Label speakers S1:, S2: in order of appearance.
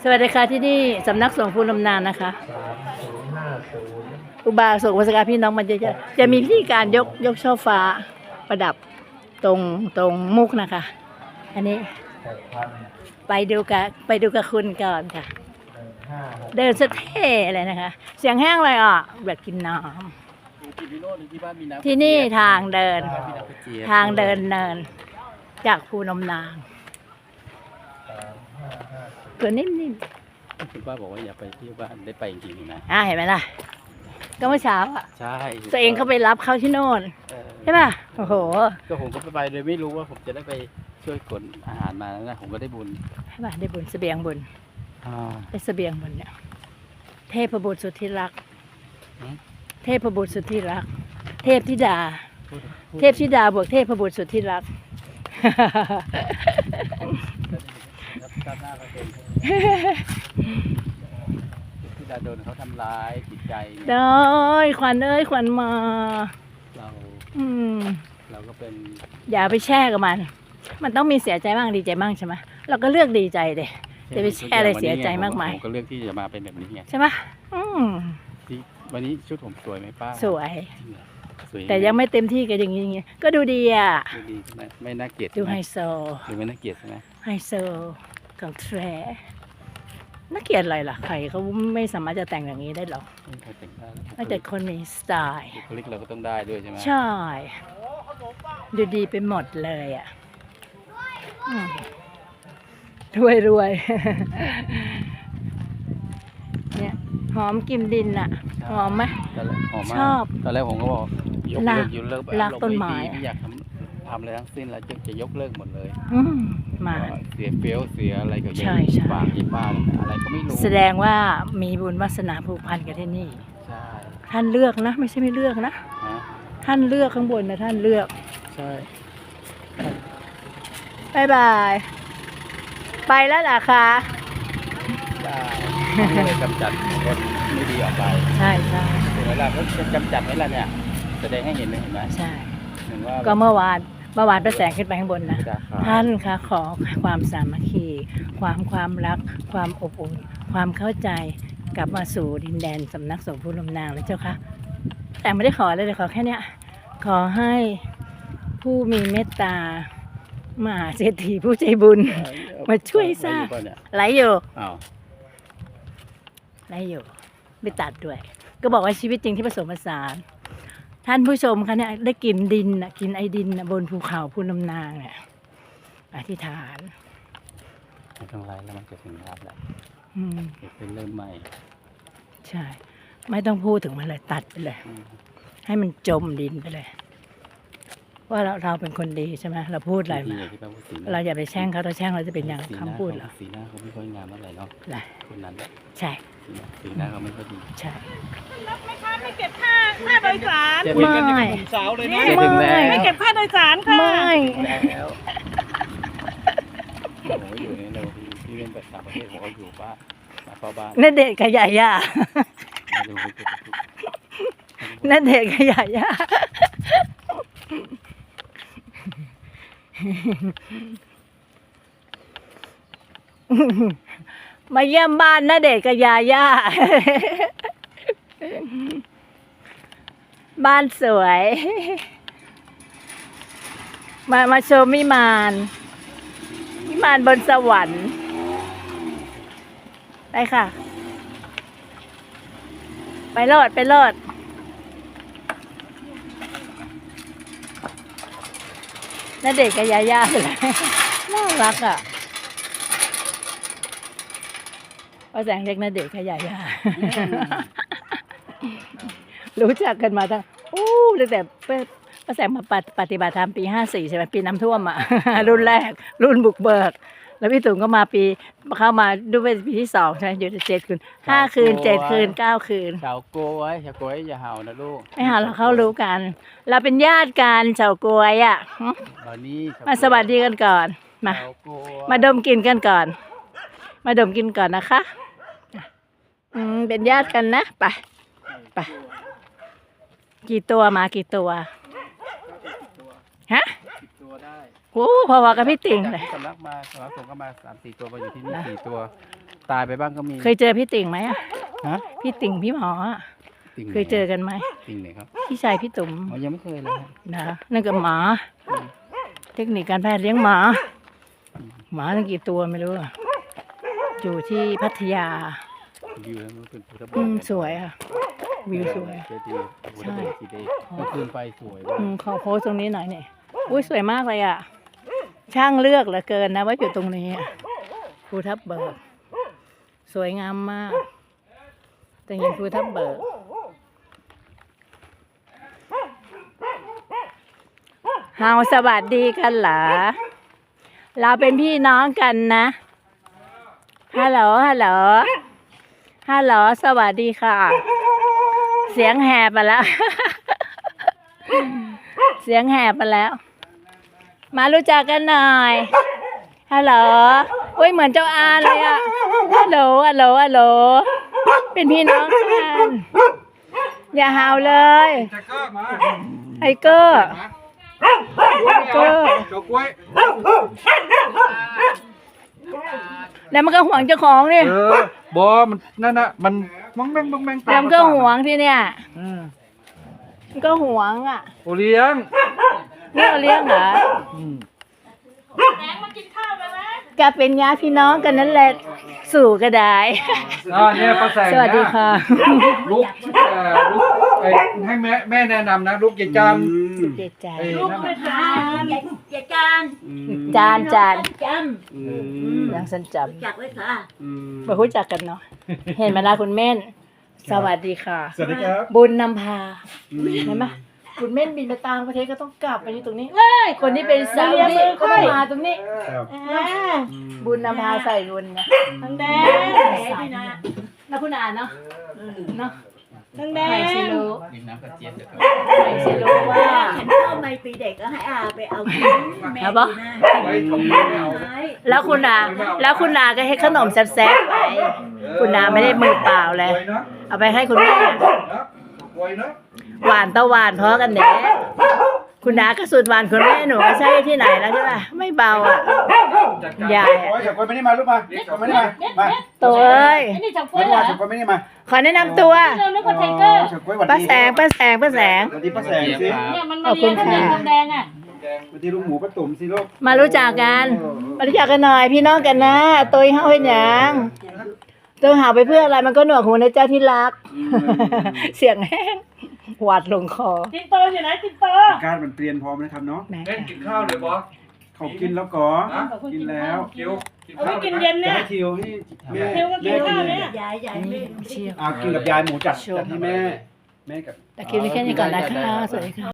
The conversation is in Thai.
S1: สวัสดีค่ะที่นี่สำนักสงฆ์ภูลำนานนะคะอุบาสกอุบาสิกาพี่น้องมันจะมีพิธีการยกช่อฟ้าประดับตรงมุกนะคะ อันนี้ไปดูกับคุณก่อนค่ะ เดินสะเท่เลยนะคะ เสียงแห้งเลยอ่ะแบบกินน้ำที่นี่ทางเดินเนินจากภูลำนานตัวนิ่มๆ
S2: คุณป้าบอกว่าอย่าไปที่บ้านได้ไปจริงๆนะ
S1: เห็นไหมล่ะก็เมื่อเช้าอ่ะ
S2: ใช่
S1: ตัวเองเขาไปรับเขาที่โน่นใช่ป่ะโอ้โห
S2: ก็ผมก็ไปโดยไม่รู้ว่าผมจะได้ไปช่วยขนอาหารมาแล้วนะผมก็ได้บุญ
S1: ใช่ป่ะได้บุญเสบียงบุญได้เสบียงบุญเนี่ยเทพบุตรสุดที่รักเทพบุตรสุดที่รักเทพธิดาบวกเทพบุตรสุดที่รัก
S2: ที่ดาโดนเขาทำร้ายจิตใจ
S1: ได้ขวัญขวัญมา
S2: เราก็เป็น
S1: อย่าไปแช่กับมันต้องมีเสียใจบ้างดีใจบ้างใช่ไหมเราก็เลือกดีใจเด็จะไปแช่อะไรเสียใจมากมาย
S2: ผมก็เลือกที่จะมาเป็นแบบนี้ไง
S1: ใช่ไหม
S2: วันนี้ชุดผมสวยไหมป้า
S1: สวยแต่ยังไม่เต็มที่กับอย่างนี้ก็ดูดีอ่ะ
S2: ดูดีใช่ไหมไม่น่าเกลียด
S1: ดูไฮโซ
S2: ดูไม่น่าเกลียดใช่ไหม
S1: ไฮโซกับแทรน่าเกลียดอะไรล่ะใครเขาไม่สามารถจะแต่งอย่างนี้ได้หรอกไม่แต่คนมีสไตล์
S2: บุคลิกเราก็ต้องได้ด้วยใช่ไหม
S1: ใช่ดูดีไปหมดเลยอ่ะรวยเนี่ยหอมกินดินอ่ะหอมไหมชอบ
S2: ตอนแรกผมก็บอกยกเลิก
S1: รักต้นไม้
S2: ไม่อยากทำอะไรทั้งสิ้นแล้วจะยกเลิกหมดเลย
S1: มา
S2: เสียเฟี้ยวเสียอะไรกับ
S1: ใช่
S2: ปากยิบบ้านอะไรก็ไม่รู้
S1: แสดงว่ามีบุญวาสนาผูกพันกับที่นี่
S2: ใช่
S1: ท่านเลือกนะไม่ใช่ไม่เลือกนะท่านเลือกข้างบนนะท่านเลือก
S2: ใช่
S1: บายบายไปแล้วล่ะคะ
S2: ได้กำจัดคนไม่ดีออกไป
S1: ใช่
S2: ถึงเวลาก็จะกำจัดให้เราเนี่ยแสดงให้เห็นไหม
S1: ใช่ก็เมื่อวานประแสงขึ้นไปข้างบนนะท่านคะขอความสามัคคีความรักความอบอุ่นความเข้าใจกลับมาสู่ดินแดนสำนักสงฆ์ภูลำนางเลยเจ้าค่ะแต่ไม่ได้ขอเลยขอแค่เนี้ยขอให้ผู้มีเมตตามหาเศรษฐีผู้ใจบุญมาช่วยสร้างไหลอยู่ไม่ตัดด้วยก็บอกว่าชีวิตจริงที่ผสมผสานท่านผู้ชมคะเนี่ยได้กินดินกินไอดินบนภูเขาภูลำนางเนี่ยอธิษฐาน
S2: ไม่ต้องไล่แล้วมันจะถึงรับแล้วเป็นเริ่มใหม่
S1: ใช่ไม่ต้องพูดถึงมันเลยตัดไปเลยให้มันจมดินไปเลยว่าเราเป็นคนดีใช่ไหมเราพูดอะไรเราอย่าไปแช่งเขาถ้าแช่งเราจะเป็นอย่างคำพูดเรา
S2: สีหน้าเขาไม่ค่อยงามเท่าไหร่เนาะคนนั้น
S1: ใช่
S2: สีหน้าเขาไม่ค่อยดี
S1: ใช่
S3: ไม่เก็บค่าโดยสาร
S1: ไม่
S3: สาวเลยนะไม่เก็บค่าโดยสารค่ะ
S1: ไม่
S2: แล้วผมอยู่ในเราที่เรียนแบบต่างประเทศผมก็อยู่บ้านเฝ้าบ้าน
S1: นั่นเด็กขยะย่านั่นเด็กขยะย่ามาเยี่ยมบ้านนะเด็กกับยาย่าบ้านสวยมาชมวิมานบนสวรรค์ไปค่ะไปโลดน่าเด็กกับยาย่าเลยน่ารักอ่ะป้าแสงเรียกน่าเด็กกับยาย่ารู้จักกันมาตั้งตั้งแต่ป้าแสงมาปฏิบัติธรรมปี54ใช่ไหมปีน้ำท่วมอ่ะรุ่นแรกรุ่นบุกเบิกแล้วพี่ตุ๋มก็มาเข้ามาดูเป็นปีที่2ใช่ไหมอยู่7 คืน5 คืน7 คืน9 คืน
S2: ชาวโกยอย่าเห่านะลูก
S1: ไม่เห่าเราเขารู้กันเราเป็นญาติกันชาวโกยอ่ะมาสวัสดีกันก่อนมาดมกลิ่นกันก่อนนะคะเป็นญาติกันนะไปกี่ตัวฮะโอ้พอๆกับพี่ติ่งเลย
S2: สำนักมาสำนักสงฆ์ก็มา3-4 ตัวมาอยู่ที่นี่4 ตัว ตายไปบ้างก็มี
S1: เคยเจอพี่ติ่งไหมอะ
S2: ฮะ
S1: พี่ติ่งพี่หมออะ
S2: ติ่งไหน
S1: เคยเจอกันไหม
S2: ติ่งไหนครับ
S1: พี่ชายพี่ตุ๋ม
S2: อ๋อยังไม่เคยเลยฮะ
S1: นะนั่นก็หมา เทคนิคการแพทย์เลี้ยงหมา หมาตั้งกี่ตัวไม่รู้อะอยู่ที่พัทยา
S2: วิวแล้วมันเป็นพุทธ
S1: สวยค่ะ วิวสวย
S2: เจดีย์พุทธบูชาสีแดงเมื่อคืนไฟสวยมาก
S1: ขอโพสต์ตรงนี้หน่อยนี่อุ้ยสวยมากเลยอ่ะ ช่างเลือกเหลือเกินนะว่าอยู่ตรงนี้อะภูทับเบิก สวยงามมาก แต่ยังภูทับเบิก เฮาสวัสดีกันเหรอ เราเป็นพี่น้องกันนะ ฮัลโหล ฮัลโหล ฮัลโหล สวัสดีค่ะ เสียงแหบไปแล้ว เสียงแหบไปแล้ว มารู้จักกันหน่อย ฮัลโหลอุ้ยเหมือนเจ้าอานเลยอะฮัลโหล ฮัลโหล ฮัลโหล เป็นพี่น้องกัน อย่าหาวเลย ไทเกอร์เกอร์แล้วมันก็ห่วงเจ้าของนี่
S4: บอมันนั่นน่ะมันมังแมงมังแมง
S1: แล้วมันก็ห่วงที่เนี่ยมันก็ห่วงอ่ะ
S4: โอเลี้ยง
S1: นี่เราเลี้ยงเหรอ
S3: แดงมากินข้าวกันนะ
S1: ก็เป็นญาติพี่น้องกันนั่นแหละ สู่ก็ได้
S4: เนี่ยป้าแสง
S1: สวัสดีค่ะ
S4: ลูกลูกให้แม่แนะนำนะลูกอย่าจาน
S1: เจ็ดจาน
S3: ลูกไม่ทาน
S5: อย่าจาน
S1: จานจาน
S5: จ
S1: ยังสันจ
S5: ำจักไว้ค่ะ
S1: ำมารู้จักกันเนาะ เห็นไหมล่ะคุณเม่น สวัสดีค่ะ
S4: สวัสดีครับ
S1: บุญนำพาเห็นไหมคุณเม่นบินไปต่างประเทศก็ต้องกลับไปอยู่ตรงนี้เอ้ยคนที่เป็นสาวนี่ก็ต้องมาตรงนี้บุญนำพาใส่รุนนะ
S3: ทางแดง
S1: แล้วคุณอ่านเนาะเนาะ
S3: ทางแด
S1: ใครง สิรู้
S2: ดื่มน้ำกระเจี๊ยบเถอะครับ
S1: ใครสิรู้ว่า
S5: ฉันเข้าไม่ปีเด็กก็ให้อาไปเอากินแม่
S1: เอาปะ
S4: ไว้ทำไม่เอา
S1: แล้วคุณอาก็ให้ขนมแซ่บๆไปคุณอาไม่ได้มือเปล่าเลย
S4: ไว้นะ
S1: เอาไปให้คุณแม่
S4: ไว้นะ
S1: หวานตะหวานเพราะกันเด้คุณอาก็สุดหวานคุณแม่หนูก็ใช่ที่ไหนแล้วใช่ป่ะไม่เบาอ่ะยาย
S6: โอ้ยเฉกคนไม่ได้มาลูกมาเฉกคนไม่ได้มามา
S1: ตัวเอ้ย
S3: ไอ้นี่จับกล้
S6: ไม่
S3: วยเหร
S6: ว่า
S3: อ
S6: เฉกคนไม่ได้มา
S1: ขอแนะนำตัว
S3: เรานึกว่าไทเกอร์
S6: เฉกคนหวัด
S1: ป้า
S6: ดี
S1: แสงป้าแสงป้าแสง
S6: หวัดดีป้าแสงสิ
S3: เนี่ยมันมาเลี้ยงทางแดงทางแดงอ่ะ
S6: หวัดดีลุงหมูป้าตุ่มสิลูก
S1: มารู้จักกันมารู้จักกันหน่อยพี่น้องกันนะตัวเฮาเฮ็ดหยังตัวหาไปเพื่ออะไรมันก็หนวกหูนะเจ้าที่รัก เสียงแห้งหวัดลงคอ
S3: ตินโตอยู่ไหนตินโต
S6: อากาศมันเปลี่ยนพร้อมนะครับเนาะ
S1: แม่
S4: เล่นกินข้าวเลยบอส
S6: เขากินแล้วก่อกินแล้ว
S4: คิวกิน
S3: เอา
S4: ข้า
S3: ไว้
S4: ว
S3: กินเย็น
S6: จะ
S3: เนี่ย
S6: ให้ทิวให้แม่
S3: ทิวก็กินข้าวเนี่ย
S5: ยายไม่
S1: เชี่ยว
S6: กินกับยายหมูจัดให้แม่กับ
S1: แต่คลิปนี้แค่นี้ก่อนนะคะสวัสดีค่ะ